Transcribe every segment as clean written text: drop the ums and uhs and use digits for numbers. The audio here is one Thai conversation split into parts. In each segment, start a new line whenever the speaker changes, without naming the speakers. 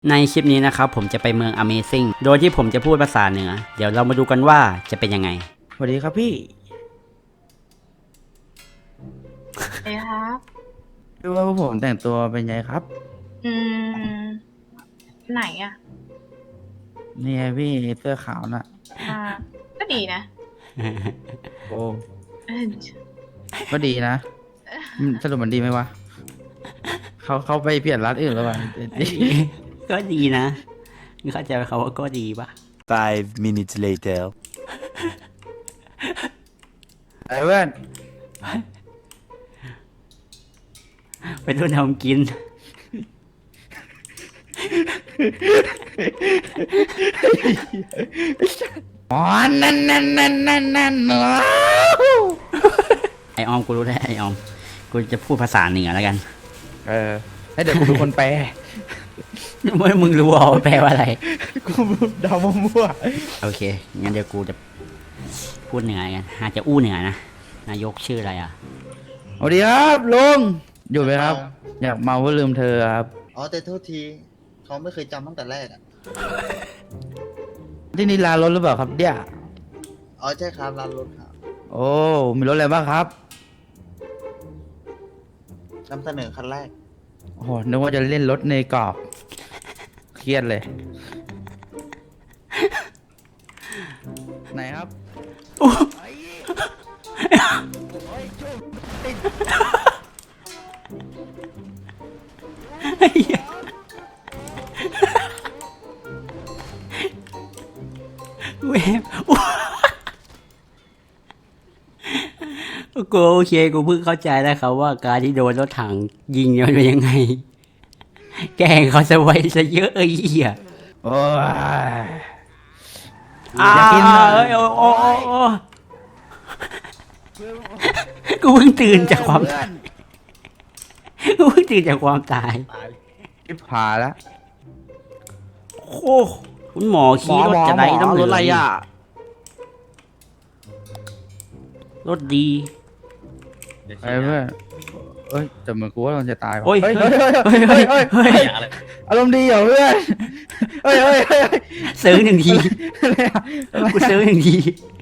ในคลิปนี้นะครับผมจะไปเมือง Amazing โดยที่ผมจะพูดภาษาเหนือเดี๋ยวเรามาดูกันว่าจะเป็นยังไง
สวัสดีครับพี่
เอ้ครับ
ดูว่าพวกผมแต่งตัวเป็นไงครับ
อืม ไหนอ่ะ
นี่ไงพี่เสื้อขาวน่ะ
อ่า ก็ดีนะ
โอ้
เออ
ก็ดีนะสรุปมันดีไหมวะเขาไปเปลี่ยนร้านอื่นแล้ววะ
ก็ดีนะมึงเข้าใจเขาว่าก็ดีปะ
5 minutes later
ไอ้เพื่อน
ไปรุ่นทำกิน
อ๋อนั่น
ไอออมกูรู้แล้วไอออมกูจะพูดภาษาเหนือแล้วกัน
ให้เดี๋ยวกูเป็นคนแปล
เมื่อมึงรู้ว่าแปลว่าอะไร
กูเดามั่ว
โอเคงั้นเดี๋ยวกูจะพูดเหนือกันอาจจะอู้เหนือนะนายกชื่ออะไรอ่ะ
ๆสวัสดีครับลุงอยู่ไหมครับ อยากเมาเพื่อลืมเธอครับ
อ๋อแต่โทษทีเขาไม่เคยจำตั้งแต่แรกอ่ะ
ที่นี่ลานรถหรือเปล่าครับเนี่ย
อ๋อใช่ครับร้านรถครับ
โอ้มีรถอะไรบ้างครับ
นำเสนอคันแรก
โอ้โหนึกว่าจะเล่นรถในกรอบเครียดเลย ไหนครับ
เว้ยกูโอเคกูเพิ่งเข้าใจแล้วครับว่าการที่โดนรถถังยิงเนี่ยมันเป็นยังไง แกล้งเขาซะไว้ซะเยอะไอ้เหี้ย
โอ้ย
อยากกินเลยโอ้กูเพิ่งตื่นจากความตายกูเพิ่งตื่นจากความตาย
ทิพผาแล้ว
โอ้คุณหมอขี่รถจะได้ต้อง
รถอะไรอ่ะ
รถดี
ไอ้เพื่อนเอ้ยแต่เหมือนกูว่ามันจะตายว่ะ
โอ้ย
เฮ้ย
เฮ้ย
เฮ้ย
เฮ้ย
เฮ้ยเฮ้ยอารมณ์ดีเหรอเพื่อนเฮ้ยเฮ้ยเฮ้ย
ซื้อหนึ่งทีกูซื้อหนึ่งที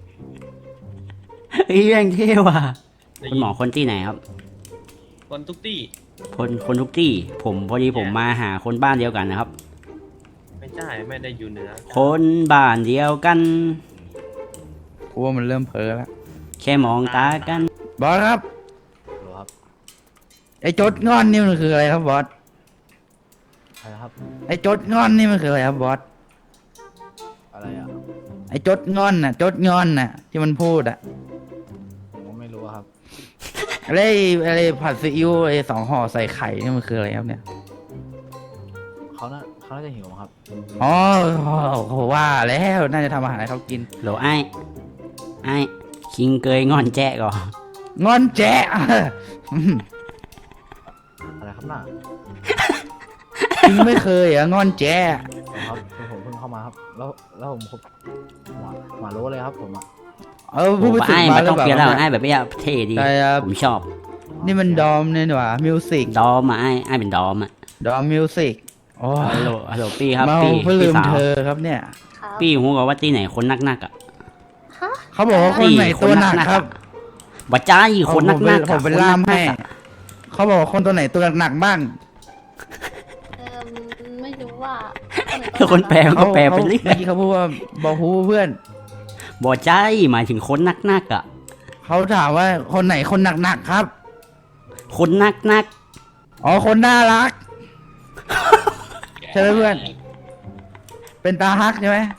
เฮ้ยแม่งเท่ว่ะคุณหมอคนที่ไหนครับ
คนทุกที่
คนทุกที่ผมพอดีผมมาหาคนบ้านเดียวกันนะครับ
ไม่ใช่ไม่ได้อยู่เหนือ
คนบ้านเดียวกัน
กูว่ามันเริ่มเพ้อแล้ว
แค่มองตากัน
บอสครับ
ครับ
ไอ้จดงอนนี่มันคืออะไรครับบอส
อะไรครับ
ไอ้จดงอนนี่มันคืออะไรครับบอส
อะไรอ่ะ
ไอ้จดงอนน่ะจดงอนน่ะที่มันพูดอ่ะ
ผมก็ไม่รู้ครับ
อะไรผัดซีอิ๊วไอ้2 ห่อใส่ไข่นี่มันคืออะไรครับเนี่ย
เขาน่าจะหิวครับ
อ๋อโหว่าแล้วน่าจะทำอาหารให้เขากิน
โหลไอ้คิงเกยงอนแจ๊ก่อน
งอนแจ๊ะ
อะไรครับน่ะ
จริงไม่เคยอ่ะงอนแจ๊ะ
ครับผมเพิ่งเข้ามาครับ แล้วผมหมารู้เลยครับผมอ่ะ
พูดไปถึง
ไอ้
มา
ไม่
หรื
ต้อ
อง เปล่า
เปลี่ยนแล้ว
ครับ
ไอ้แบบนี้เท่ดี
ใช่ครับ
ผมชอบ
นี่มันดอมเนี่ยหว่ามิวสิก
ดอมอ่ะไอ้เป็นดอมอ่ะ
ดอมมิวสิกโอ้
ฮัลโหลปี้ครับ
เมา
ปี้
เพื่อลื
พี่
ม
สาว
เธอครับเนี่ย
ครับ
ปี้หูกับว่าที่ไหนคนนักอ่ะ
เขาบอกว่าคนไหนตัวหนักครับ
บัจจ้าอีคนนัก
ผมเป็นล่ามให้เขาบอกว่าคนตัวไหนตัวหนักบ้าง
ไม่รู้ว่า
คนแปลก็แปลไปเรื่
เมื่
อ
อย กี้เขาพูดว่าบอกฮูเพื่อน
บัจจ้าหมายถึงคนนักอ่ะ
เขาถามว่าคนไหนคนหนักๆครับ
คนนัก
อ๋อคนน่ารักใช่ไหมเพื่อน เป็นตาฮักใช่ไหม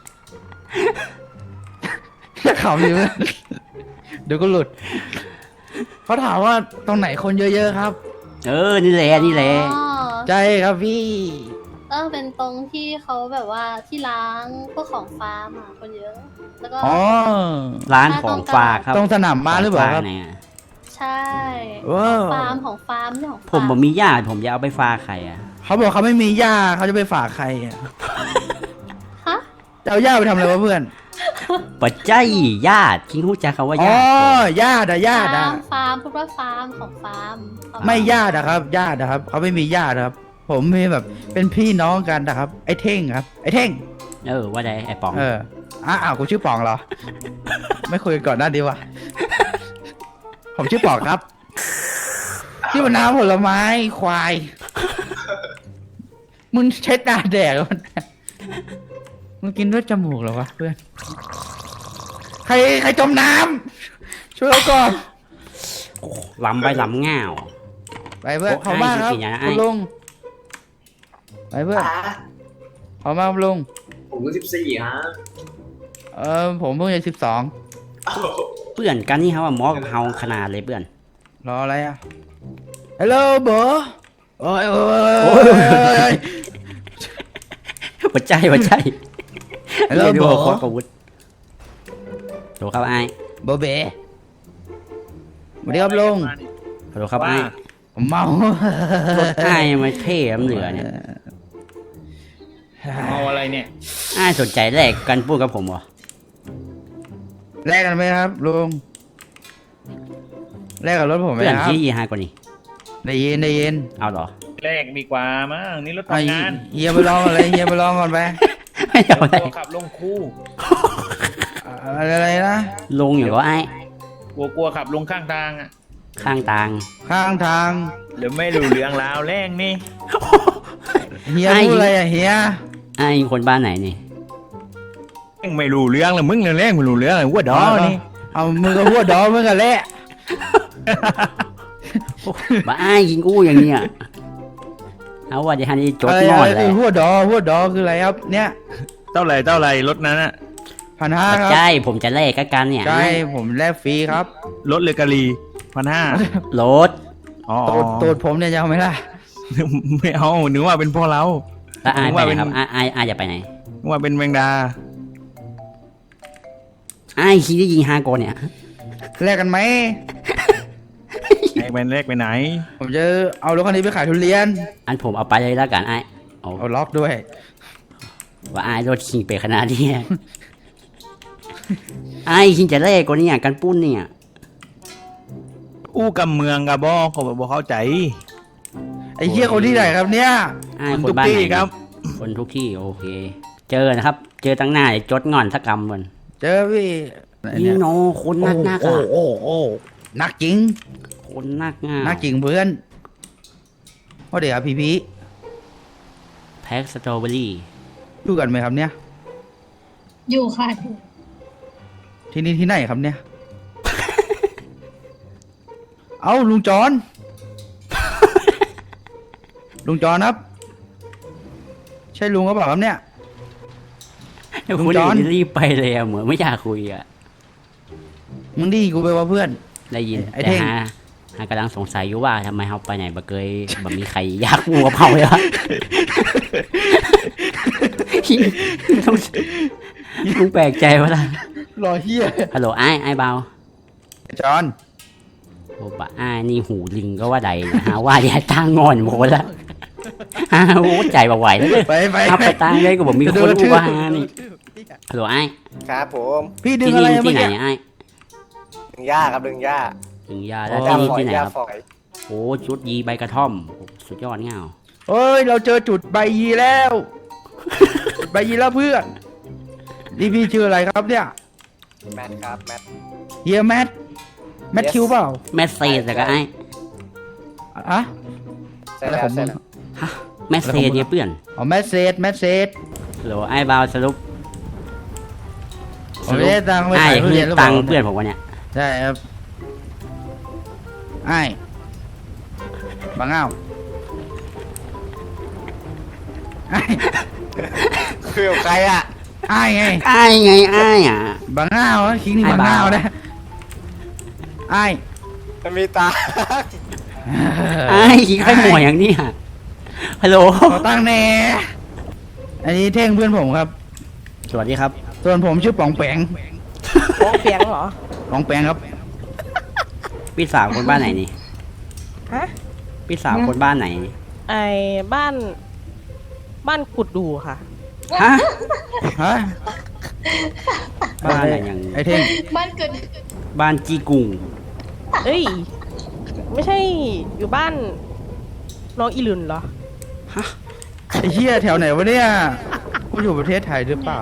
เขาอยู่เพื่อนเดี๋ยวก็หลุดเขาถามว่าตรงไหนคนเยอะๆครับ
นี่แหละ
ใช่ครับพี่
เป็นตรงที่เขาแบบว่าที่ล้างพวกของฟาร์มอ่ะคนเยอะ แล้วก็
อ๋อ
ร้านของฝากครับ
ตรงสนามม้าหรือเปล่าครับ
ของฝกไหนอะ
ใช่
ว้าว
ของฟาร์มเนี่ยของ
ผมบ่มีญาติผมจะเอาไปฝากใครอ่ะ
เขาบอกเขาไม่มีย่าเขาจะไปฝากใครอ่ะ
ฮะ
จะเอาย่าไปทำอะไรวะเพื่อน
ปัจจัยญาติคิงรู้จักคำว่า
อ๋อ
ญาติ
ญาติอะ
ฟาร์มพูดว่าฟาร์มของฟาร์ม
ไม่ญาติอะครับญาติอะครับเขาไม่มีญาติครับผมมีแบบเป็นพี่น้องกันนะครับ ไอ้เท่งครับ ไอ้เท่ง
ว่าไดไอ้ป๋อง
อ้าวกูชื่อปองเหรอ ไม่คุยกันก่อนหน้าดีวะผมชื่อปองครับชื่อมะนาวผลไม้ควาย มึงใช้ตาแดกมันมึงกินด้วยจมูกเหรอวะเพื่อน ใครจมน้ำช่วยเราก่อน
ล้ำไปล้ำง่าว
ไปเพื่อน
โอ้
ขอบมากครับ
ไอ้จริงๆนะไอ้
คุณลุงไปเพื่อนขอบมากครับลุง
ผมก็14ฮะ
ผมเพิ่งจะ12
เพื่อนกันนี่เขาว่ามอกับเฮาขนาดเลยเพื่อน
รออะไรอ่ะฮัลโหลบอโอ้ย
หัวใจหัวใจ
ฮัลโหล
เรียก
บ
ได้
อ
ว่าโคตรอาวุธโหลครับไอ้
บอเบ๋สวัสดีครับลุง
โหลครับไอ้
ผมเมาร
ถไอ้มันเท่น้ำเหลือเนี่ย
เอาอะไรเนี่ย
ไอ้สนใจแลกกันพูดกับผมเหรอ
แลกกันไหมครับลุงแลกกับรถผมไหม
เพื่อน
ครับ
ที่ยี่ห้ากว่านี้
ได้ยิน
เอาเหรอ
แรกดีกว่ามั้งนี่รถ
ไอ้
ทำงาน
เฮียไปลองก่อนเลยเฮียไปลองก่อนไป
ไม่เอาอะไร
กลัวขับลงคู่
อะไรนะ
ลงอยู่ก็ไอ้
กลัวขับลงข้างทางอ่ะ
ข้างทาง
ข้างทาง
เดี๋ยวไม่รู้เรื่องราวแรงนี่
เฮียพูดอะไรอ่ะเฮีย
ไอ้คนบ้านไหนนี่
ยังไม่รู้เรื่องเลยมึงเนี่ยแรงไม่รู้เรื่องเลยว่าดอนี่
เอามือกับหัวดอมือกันแหละ
บ้าไอ้ยิงกู้อย่างเนี้ยเอาว่าจะฮันนี่จด
อะไร
งอ
อะ
น
ไร
เล
คื
ย
อหัวดอคืออะไรครับ เนี่ย
เท่าไหร่รถนั้นอ่ะ
1,500 ค
ไม่
รับ
ใช่ผมจะแลกกันเนี่ย
ใช่ผมแลกฟรีครับ
รถเลยกะลี1,500
รถ
อ๋อ
ตูดผมเนี่ยจะเอาไหมล่ะ
ไม่เอานึกว่าเป็นพ่อเรา
แล้วไอ้ไป
ว่า
ไห
เป็น น
ครับไอ้จะไปไหน
นึกว่าเป็นแมงดา
ไอ้คิดจะยิงฮาโกเนี่ย
แลกกันไหม
ไอ้เป็นเลขไปไหน
ผมจะเอารถคันนี้ไปขายทุเรียน
อันผมเอาไปเลยแล้วกันไอ้โอ้
เอาล็อกด้วย
ว่าไอ้รถคิงไปขนาดนี้ ไอ้คิงจะแลกกว่านี้กันปุ้นเนี่ย
อู้กับเมืองกับบ่เขาบอกเข้าใจ
ไอ้เหี้ยคนที่ไหนครับเนี่ย
ไอ้
คน
คน
ทุก
บ้านไหน
ที่ครับ
คนทุกที่โอเค เจอนะครับ เจอตั้งหน้าจดงอนสักกรรมมัน
เจอพี่ไหน
นี่
เนี่ย
โนคนนักนัก
โอ้
อ่ะ
โอ้นักจริง
คนนักง่า
นักจริงเพื่อนโอ้เดี๋ยวครับพี่
แพ็กสตรอเบอรี่
อยู่กันไหมครับเนี่ย
อยู่ค่ะ
ที่นี่ที่ไหนครับเนี่ย เอาลุงจอน ลุงจอนครับ ใช่ลุงก็เปล่าครับเนี่ย ลุง
คุณ
จอน
รีบไปเลยอะเหมือนไม่อยากคุยอะ
มึงดีกูไปว่าเพื่อน
ได้ยิน
ไอ้
แต่
เท่ง
ฮากำลังสงสัยอยู่ว่าทำไมเขาไปไหนบ่เคยบ่มีใครอยากงูกับเขาเลยวะ ลุงแปลกใจว่าล่ะ
รอเฮีย
ฮัลโหลไอ้เบา
จอน
โอ้บะไอ้นี่หูลิงก็ว่าใดหาว่าอย่าตั้งงอนโมละฮาโอ้ใจบ่ไหวแล้วเลย
ไป
เอาไปตั้งเลยก็บอกมีคนรู้ว่าฮานี่ฮัลโหลไอ้
ครับผม
พี่ดึง
ที่
อะไร
นี่
เมื่
ที่
อ
ไหน
กี้
ไอ้
ดึงหญ้าครับดึงหญ้า
ถึงยาแล้ว
หญ้า
ที่นี่
ฝอย
ที่ไหน
หญ้า
ครับ
ฝอย
โอ้ชุดยีใบกระท่อมสุดยอดเงา
เฮ้ย เราเจอจุดใบยีแล้ว จุดใบยีแล้วเพื่อนนี่พี่ชื่ออะไรครับเนี่ย
แมทครับแมท
เฮียแมทคิวเปล่า
แมสเซจแต่ก็ไอ้
อะ
ใช่แล้วใช่แล้ว
แมสเซจเนี่ยเพื่อน
อ๋อแมสเซจ
ฮัลโหลไอ้เบาสรุป
ผมไม่ได้ตังค์ไป
ไอ้
ขายทุ
คือ
เรียนหรือเป
ตั
ล่าง
ค์เพื่อนผมวะเนี่ย
ใช่ครับไอ้บางอ้าวไอ้
คือใครอ่ะ
ไอ้ไง
ไอ้ไงไอ้อ่ะ
บางอ้าวนะคิงนี่
ไอ้
บางอ้าว
บ่าว
นะไอ้
มันมีตา
ไอ้ขี้ไข่หมวยอย่างนี้อะฮัลโหล
ขอตั้งแน่อันนี้เท่งเพื่อนผมครับ
สวัสดีครับ
ส่วนผมชื่อป๋องแปง
โป๊ะเปียงเหรอ
ป๋องแปงครับ
พี่สาวคนบ้านไหนนี่
ฮะ
พี่สาวคนบ้านไหนนี่
ไอ้บ้านกุดดูค่ะ
ฮะ
ฮะ
บ้านอะไรอย่าง
ไอ้เท่ง
บ้านเกิด
บ้านจีกุง
เอ้ย ไม่ใช่อยู่บ้านน้องอีหลุนเหรอ
ฮ
ไอ้เหี้ยแถวไหนวะเนี่ยกูอยู่ประเทศไทยหรือเปล่า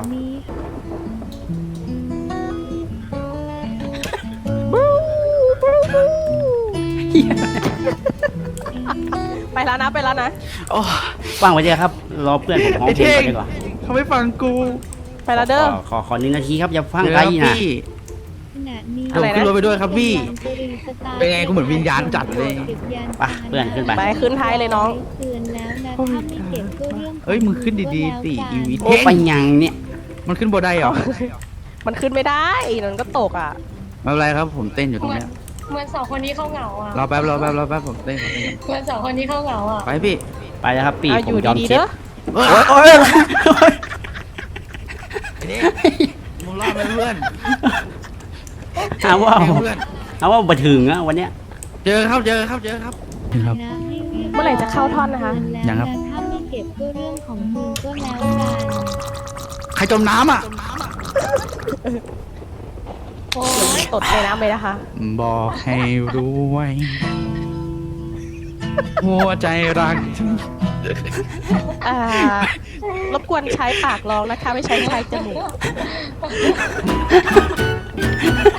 ไปแล้วนะไปแล้วนะ
ฟังไว้เถอะครับ รอเพื่อนผมร้อง
ไอ้
เพล
เท่
ง
ง
ก่อนดีกว่า
เขาไม่ฟังกู
ไปแล้วเด้อ
ขอ1 นาทีครับอย่าฟัง
เดี๋ยว
ไกล
ครับ
นะ
พี่
อะไรนะ
ขึ้นรถไปด้วยครับพี่ เป็นไงกูเหมือนวิญญาณจัดเลย
ไปเพื่อนขึ้นไป
ไปขึ้นท้ายเลยน้อง
คืนแล้วนะถ้าไม่เก็บก็เรื่องของ
เอ้ยมึงขึ้นดีๆสิอีวิ
โอ้ไปยังเนี่ย
มันขึ้นบนได้เหรอ
มันขึ้นไม่ได้มันก็ตกอ่ะ
ไม่เป็นไรครับผมเต้นอยู่ตรงเนี้ย
เหมือนสองคนนี้เขาเหงาอ่ะ
รอแป๊บผมเต้น
เหมือนสองคนนี้เขาเหงาอ่ะ
ไปพี่
ไปแล้วครับปี
เอา
ผ
อ
ม
ยู่
ยอม
ดีๆ
เช็ด
เด้อ
โอ้ย
โอ้ย
มึงรอดไหมเพื่อน
หาว่า
เพื่อน
เอาว่าบัถึงอะวันเนี้ย
เจอครับ ครับ
นะให้เรียก
เมื่อไหร่จะเข้าท่อนนะคะ
คืแล้ว
ยังครับ
นะถ้าไม่เก็บก็เรื่องของมึงก็แล้วกัน
ใครจมน้ำอ่ะ
โอ้ยตดในน้ำเลยนะคะ
บอกให้รู้ไว้ หัวใจรัก
รบกวนใช้ปากร้องนะคะ ไม่ใช้จมูก